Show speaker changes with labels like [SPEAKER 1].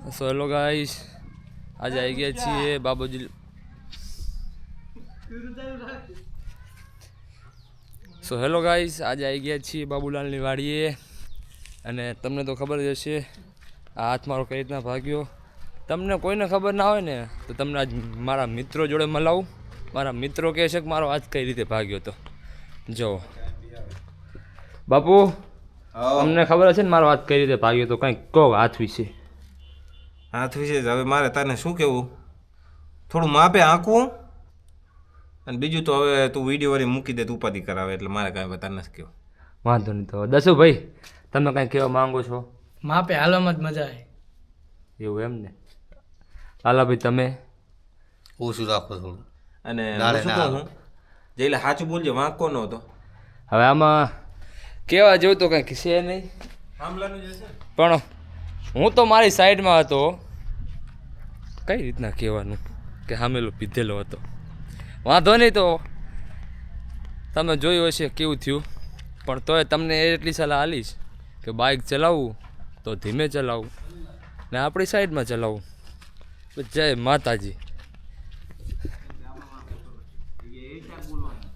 [SPEAKER 1] So hello guys, આજે આવી ગયા છીએ બાબુજી. સો હેલો ગાઈસ, આજે આવી ગયા છીએ બાબુલાલની વાડીએ. અને તમને તો ખબર જ હશે આ હાથ મારો કઈ રીતના ભાગ્યો. તમને કોઈને ખબર ના હોય ને તો તમને આજ મારા મિત્રો જોડે મલાવું. મારા મિત્રો કહે છે કે મારો હાથ કઈ રીતે ભાગ્યો હતો. જો બાપુ, તમને ખબર હશે ને મારો હાથ કઈ રીતે ભાગ્યો તો, કંઈક કહો હાથ વિશે.
[SPEAKER 2] હાથ વિશે હવે મારે તને શું કહેવું, થોડું માપે આંકવું, અને બીજું તો હવે તું વિડીયો વાળી મૂકી દે, તું ઉપાધિ કરાવે એટલે મારે કાંઈ બતા નથી કહેવું.
[SPEAKER 1] વાંધો નહીં. તો દસુભાઈ, તમે કાંઈ કહેવા માંગો છો?
[SPEAKER 3] માપે હાલમાં જ મજા આવે
[SPEAKER 1] એવું એમ ને? લાલાભાઈ તમે?
[SPEAKER 4] ઓછું રાખો થોડું.
[SPEAKER 2] અને હું શું કહું હું એટલે સાચું બોલજે, વાંકો ન હતો.
[SPEAKER 1] હવે આમાં કહેવા જેવું તો કંઈક છે નહીં, પણ હું તો મારી સાઈડમાં હતો. કઈ રીતના કહેવાનું કે હામેલો પીધેલો હતો. વાંધો નહીં, તો તમે જોયું હશે કેવું થયું. પણ તોય તમને એટલી સલાહ આલીશ કે બાઇક ચલાવવું તો ધીમે ચલાવવું ને આપણી સાઈડમાં ચલાવવું. જય માતાજી.